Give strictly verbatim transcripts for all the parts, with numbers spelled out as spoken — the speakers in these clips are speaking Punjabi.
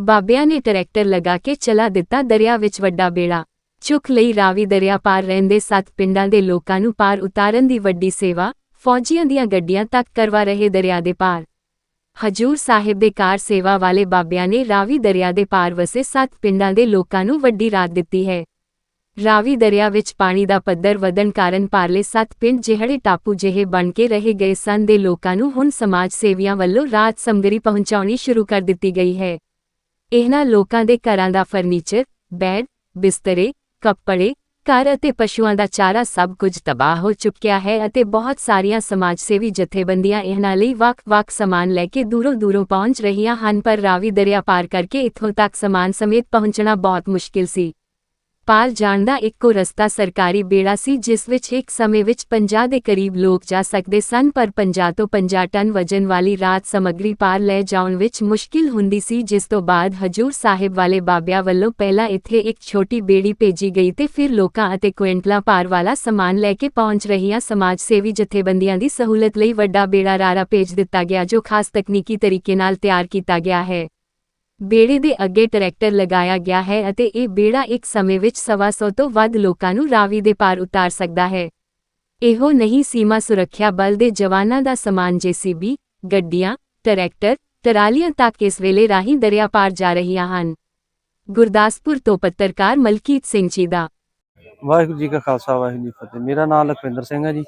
ਬਾਬਿਆਂ ਨੇ ਟਰੈਕਟਰ ਲਗਾ ਕੇ ਚਲਾ ਦਿੱਤਾ ਦਰਿਆ ਵਿੱਚ ਵੱਡਾ ਬੇੜਾ। ਚੁੱਕ ਲਈ ਰਾਵੀ ਦਰਿਆ ਪਾਰ ਰਹਿੰਦੇ ਸੱਤ ਪਿੰਡਾਂ ਦੇ ਲੋਕਾਂ ਨੂੰ ਪਾਰ ਉਤਾਰਨ ਦੀ ਵੱਡੀ ਸੇਵਾ, ਫੌਜੀਆਂ ਦੀਆਂ ਗੱਡੀਆਂ ਤੱਕ ਕਰਵਾ ਰਹੇ ਦਰਿਆ ਦੇ ਪਾਰ। ਹਜੂਰ ਸਾਹਿਬ ਦੇ ਕਾਰ ਸੇਵਾ ਵਾਲੇ ਬਾਬਿਆਂ ਨੇ ਰਾਵੀ ਦਰਿਆ ਦੇ ਪਾਰ ਵਸੇ ਸੱਤ ਪਿੰਡਾਂ ਦੇ ਲੋਕਾਂ ਨੂੰ ਵੱਡੀ ਰਾਹਤ ਦਿੱਤੀ ਹੈ। ਰਾਵੀ ਦਰਿਆ ਵਿੱਚ ਪਾਣੀ ਦਾ ਪੱਧਰ ਵਧਣ ਕਾਰਨ ਪਾਰਲੇ ਸੱਤ ਪਿੰਡ ਜਿਹੜੇ ਟਾਪੂ ਜਿਹੇ ਬਣ ਕੇ ਰਹਿ ਗਏ ਸਨ ਦੇ ਲੋਕਾਂ ਨੂੰ ਹੁਣ ਸਮਾਜ ਸੇਵੀਆਂ ਵੱਲੋਂ ਰਾਹਤ ਸਮੱਗਰੀ ਪਹੁੰਚਾਉਣੀ ਸ਼ੁਰੂ ਕਰ ਦਿੱਤੀ ਗਈ ਹੈ। ਇਹਨਾਂ ਲੋਕਾਂ ਦੇ ਘਰਾਂ ਦਾ ਫਰਨੀਚਰ, ਬੈੱਡ, ਬਿਸਤਰੇ, ਕੱਪੜੇ, ਘਰ ਅਤੇ ਪਸ਼ੂਆਂ ਦਾ ਚਾਰਾ ਸਭ ਕੁਝ ਤਬਾਹ ਹੋ ਚੁੱਕਿਆ ਹੈ ਅਤੇ ਬਹੁਤ ਸਾਰੀਆਂ ਸਮਾਜ ਸੇਵੀ ਜਥੇਬੰਦੀਆਂ ਇਹਨਾਂ ਲਈ ਵੱਖ-ਵੱਖ ਸਮਾਨ ਲੈ ਕੇ ਦੂਰੋਂ-ਦੂਰੋਂ ਪਹੁੰਚ ਰਹੀਆਂ ਹਨ, ਪਰ ਰਾਵੀ ਦਰਿਆ ਪਾਰ ਕਰਕੇ ਇੱਥੋਂ ਤੱਕ ਸਮਾਨ ਸਮੇਤ ਪਹੁੰਚਣਾ ਬਹੁਤ ਮੁਸ਼ਕਿਲ ਸੀ। ਪਾਰ ਜਾਣ ਦਾ ਇੱਕੋ ਰਸਤਾ ਸਰਕਾਰੀ ਬੇੜਾ ਸੀ ਜਿਸ ਵਿੱਚ ਇੱਕ ਸਮੇਂ ਵਿੱਚ ਪੰਜਾਹ ਦੇ ਕਰੀਬ ਲੋਕ ਜਾ ਸਕਦੇ ਸਨ, ਪਰ ਪੰਜਾਹ ਤੋਂ ਪੰਜਾਹ ਟਨ ਵਜਨ ਵਾਲੀ ਰਾਹਤ ਸਮੱਗਰੀ ਪਾਰ ਲੈ ਜਾਣ ਵਿੱਚ ਮੁਸ਼ਕਿਲ ਹੁੰਦੀ ਸੀ, ਜਿਸ ਤੋਂ ਬਾਅਦ ਹਜੂਰ ਸਾਹਿਬ ਵਾਲੇ ਬਾਬਿਆਂ ਵੱਲੋਂ ਪਹਿਲਾਂ ਇੱਥੇ ਇੱਕ ਛੋਟੀ ਬੇੜੀ ਭੇਜੀ ਗਈ ਤੇ ਫਿਰ ਲੋਕਾਂ ਅਤੇ ਕੁਇੰਟਲਾਂ ਭਾਰ ਵਾਲਾ ਸਮਾਨ ਲੈ ਕੇ ਪਹੁੰਚ ਰਹੀਆਂ ਸਮਾਜ ਸੇਵੀ ਜਥੇਬੰਦੀਆਂ ਦੀ ਸਹੂਲਤ ਲਈ ਵੱਡਾ ਬੇੜਾ ਰਾਰਾ ਭੇਜ ਦਿੱਤਾ ਗਿਆ ਜੋ ਖਾਸ ਤਕਨੀਕੀ ਤਰੀਕੇ ਨਾਲ ਤਿਆਰ ਕੀਤਾ ਗਿਆ ਹੈ। ਬੇੜੇ ਦੇ ਅੱਗੇ ਟਰੈਕਟਰ ਲਗਾਇਆ ਗਿਆ ਹੈ ਅਤੇ ਇਹ ਬੇੜਾ ਇੱਕ ਸਮੇਂ ਵਿੱਚ ਸਵਾ ਸੌ ਤੋਂ ਵੱਧ ਲੋਕਾਂ ਨੂੰ ਰਾਵੀ ਦੇ ਪਾਰ ਉਤਾਰ ਸਕਦਾ ਹੈ। ਇਹੋ ਨਹੀਂ, ਸੀਮਾ ਸੁਰੱਖਿਆ ਬਲ ਦੇ ਜਵਾਨਾਂ ਦਾ ਸਮਾਨ ਜੇਸੀਬੀ, ਗੱਡੀਆਂ, ਟਰੈਕਟਰ, ਟਰਾਲੀਆਂ ਤੱਕ ਇਸ ਵੇਲੇ ਰਾਹੀਂ ਦਰਿਆ ਪਾਰ ਜਾ ਰਹੀਆਂ ਹਨ। ਗੁਰਦਾਸਪੁਰ ਤੋਂ ਪੱਤਰਕਾਰ ਮਲਕੀਤ ਸਿੰਘ ਜੀ ਦਾ। ਵਾਹਿਗੁਰੂ ਜੀ ਕਾ ਖਾਲਸਾ ਵਾਹਿਗੁਰੂ ਜੀ ਕੀ ਫਤਿਹ। ਮੇਰਾ ਨਾਮ ਲਖਵਿੰਦਰ ਸਿੰਘ ਹੈ ਜੀ।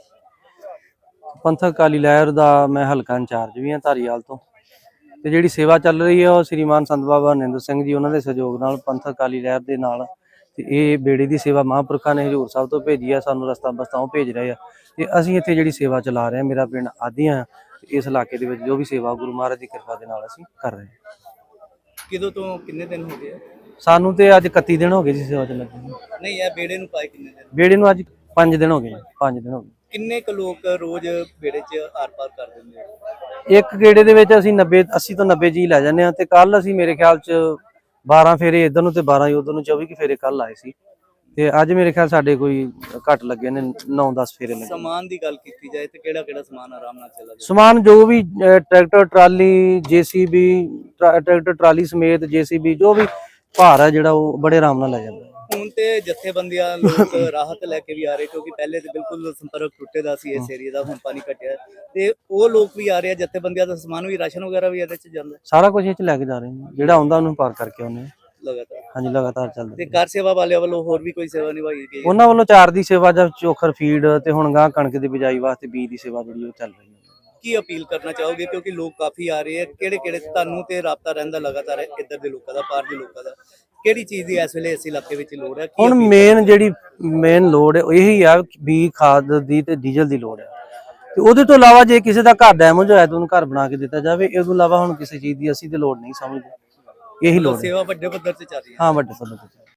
ਪੰਥਕ ਅਕਾਲੀ ਲਹਿਰ ਦਾ ਮੈਂ ਹਲਕਾ ਇੰਚਾਰਜ ਵੀ ਹਾਂ ਧਾਰੀਵਾਲ ਤੋਂ। ਤੇ ਜਿਹੜੀ ਸੇਵਾ ਚੱਲ ਰਹੀ ਹੈ ਉਹ ਸ੍ਰੀਮਾਨ ਸੰਤ ਬਾਬਾ ਹਰਨਿੰਦਰ ਸਿੰਘ ਜੀ ਉਹਨਾਂ ਦੇ ਸਹਿਯੋਗ ਨਾਲ ਪੰਥਕ ਅਕਾਲੀ ਲਹਿਰ ਦੇ ਨਾਲ ਤੇ ਇਹ ਬੇੜੇ ਦੀ ਸੇਵਾ ਮਹਾਂਪੁਰਖਾਂ ਨੇ ਹਜ਼ੂਰ ਸਾਹਿਬ ਤੋਂ ਭੇਜੀ ਆ, ਸਾਨੂੰ ਰਸਤਾ ਬਸਤਾ ਉਹ ਭੇਜ ਰਹੇ ਆ ਤੇ ਅਸੀਂ ਇੱਥੇ ਜਿਹੜੀ ਸੇਵਾ ਚਲਾ ਰਹੇ ਹਾਂ। ਮੇਰਾ ਪਿੰਡ ਆਦੀਆਂ ਤੇ ਇਸ ਇਲਾਕੇ ਦੇ ਵਿੱਚ ਜੋ ਵੀ ਸੇਵਾ ਗੁਰੂ ਮਹਾਰਾਜ ਦੀ ਕਿਰਪਾ ਦੇ ਨਾਲ ਅਸੀਂ ਕਰ ਰਹੇ ਹਾਂ। ਕਿਦੋਂ ਤੋਂ ਕਿੰਨੇ ਦਿਨ ਹੋ ਗਏ? ਸਾਨੂੰ ਤੇ ਅੱਜ ਇਕੱਤੀ ਦਿਨ ਹੋ ਗਏ ਜੀ ਸੇਵਾ ਚ ਲੱਗੇ। ਨਹੀਂ, ਇਹ ਬੇੜੇ ਨੂੰ ਪਾਏ ਕਿੰਨੇ ਦਿਨ? ਬੇੜੇ ਨੂੰ ਅੱਜ ਪੰਜ ਦਿਨ ਹੋ ਗਏ ਜੀ, ਪੰਜ ਦਿਨ ਹੋ ਗਏ। ਕਿੰਨੇ ਕੁ ਲੋਕ ਰੋਜ਼ ਬੇੜੇ 'ਚ ਆਰ ਪਾਰ ਕਰ ਦਿੰਦੇ ਆ? ਇੱਕ ਗੇੜੇ ਦੇ ਵਿੱਚ ਅਸੀਂ ਨੱਬੇ ਅੱਸੀ ਤੋਂ ਨੱਬੇ ਜੀ ਲੈ ਜਾਂਦੇ ਹਾਂ ਤੇ ਕੱਲ ਅਸੀਂ ਮੇਰੇ ਖਿਆਲ ਚ ਬਾਰਾਂ ਫੇਰੇ ਇੱਧਰ ਨੂੰ ਤੇ ਬਾਰਾਂ ਉਧਰ ਨੂੰ ਚੌਵੀ ਕੁ ਫੇਰੇ ਕੱਲ ਆਏ ਸੀ ਤੇ ਅੱਜ ਮੇਰੇ ਖਿਆਲ ਸਾਡੇ ਕੋਈ ਘੱਟ ਲੱਗੇ ਨੇ ਨੌ ਦਸ ਫੇਰੇ ਲੱਗੇ। ਸਮਾਨ ਦੀ ਗੱਲ ਕੀਤੀ ਜਾਏ ਤੇ ਕਿਹੜਾ ਕਿਹੜਾ ਸਮਾਨ ਆਰਾਮ ਨਾਲ ਚੱਲਦਾ? ਸਮਾਨ ਜੋ ਵੀ tractor, trolley, JCB, tractor trolley ਸਮੇਤ ਜੇਸੀਬੀ ਜੋ ਵੀ ਭਾਰ ਹੈ ਜਿਹੜਾ ਉਹ ਬੜੇ ਆਰਾਮ ਨਾਲ ਲੈ ਜਾਂਦਾ। ਹੁਣ ਤੇ ਜਥੇਬੰਦੀਆਂ ਲੋਕ ਰਾਹਤ ਲੈ ਕੇ ਵੀ ਆ ਰਹੇ ਕਿਉਂਕਿ ਪਹਿਲੇ ਤੇ ਬਿਲਕੁਲ ਸੰਪਰਕ ਟੁੱਟੇ ਦਾ ਸੀ ਇਸ ਏਰੀਆ ਦਾ, ਹੁਣ ਪਾਣੀ ਘਟਿਆ ਤੇ ਉਹ ਲੋਕ ਵੀ ਆ ਰਹੇ ਆ। ਜਥੇਬੰਦੀਆਂ ਦਾ ਸਮਾਨ ਵੀ, ਰਾਸ਼ਨ ਵਗੈਰਾ ਵੀ ਇਹਦੇ ਚ ਜਾਂਦਾ, ਸਾਰਾ ਕੁਝ ਇਹ ਚ ਲੈ ਕੇ ਜਾ ਰਹੇ ਨੇ। ਜਿਹੜਾ ਆਉਂਦਾ ਉਹਨੂੰ ਪਾਰ ਕਰਕੇ ਆਉਂਦੇ ਲਗਾਤਾਰ। ਹਾਂਜੀ, ਲਗਾਤਾਰ ਚੱਲਦਾ। ਤੇ ਕਾਰ ਸੇਵਾ ਵਾਲਿਆਂ ਵੱਲੋਂ ਹੋਰ ਵੀ ਕੋਈ ਸੇਵਾ ਨਿਭਾਈ ਗਈ? ਉਹਨਾਂ ਵੱਲੋਂ ਚਾਰ ਦੀ ਸੇਵਾ ਜਾਂ ਚੋਖਰ ਫੀਡ ਤੇ ਹੁਣ ਗਾਂ ਕਣਕ ਦੀ ਬਿਜਾਈ ਵਾਸਤੇ ਬੀਜ ਦੀ ਸੇਵਾ ਜਿਹੜੀ ਉਹ ਚੱਲ ਰਹੀ ਹੈ। ਕੀ ਅਪੀਲ ਕਰਨਾ ਚਾਹੋਗੇ ਕਿਉਂਕਿ ਲੋਕ ਕਾਫੀ ਆ ਰਹੇ ਆ? ਕਿਹੜੇ ਕਿਹੜੇ ਤੁਹਾਨੂੰ ਤੇ ਰਾਬਤਾ ਰਹਿੰਦਾ ਲਗਾਤਾਰ ਇੱਧਰ ਦੇ ਲੋਕਾਂ ਦਾ, ਪਾਰ ਦੇ ਲੋਕਾਂ ਦਾ? ਕਿਹੜੀ ਚੀਜ਼ ਦੀ ਇਸ ਵੇਲੇ ਇਸ ਇਲਾਕੇ ਵਿੱਚ ਲੋੜ ਹੈ? ਹੁਣ ਮੇਨ ਜਿਹੜੀ ਮੇਨ ਲੋੜ ਹੈ ਇਹੀ ਆ ਵੀ ਖਾਦ ਦੀ ਤੇ ਡੀਜ਼ਲ ਦੀ ਲੋੜ ਹੈ ਤੇ ਉਹਦੇ ਤੋਂ ਇਲਾਵਾ ਜੇ ਕਿਸੇ ਦਾ ਘਰ ਡੈਮੇਜ ਹੋਇਆ ਤਾਂ ਉਹਨੂੰ ਘਰ ਬਣਾ ਕੇ ਦਿੱਤਾ ਜਾਵੇ। ਇਸ ਤੋਂ ਇਲਾਵਾ ਹੁਣ ਕਿਸੇ ਚੀਜ਼ ਦੀ ਅਸੀਂ ਤੇ ਲੋੜ ਨਹੀਂ ਸਮਝਦੇ। ਇਹੀ ਲੋੜ ਸੇਵਾ ਵੱਡੇ ਪੱਧਰ ਤੇ ਚੱਲ ਰਹੀ ਹੈ। ਹਾਂ, ਵੱਡੇ ਪੱਧਰ ਤੇ।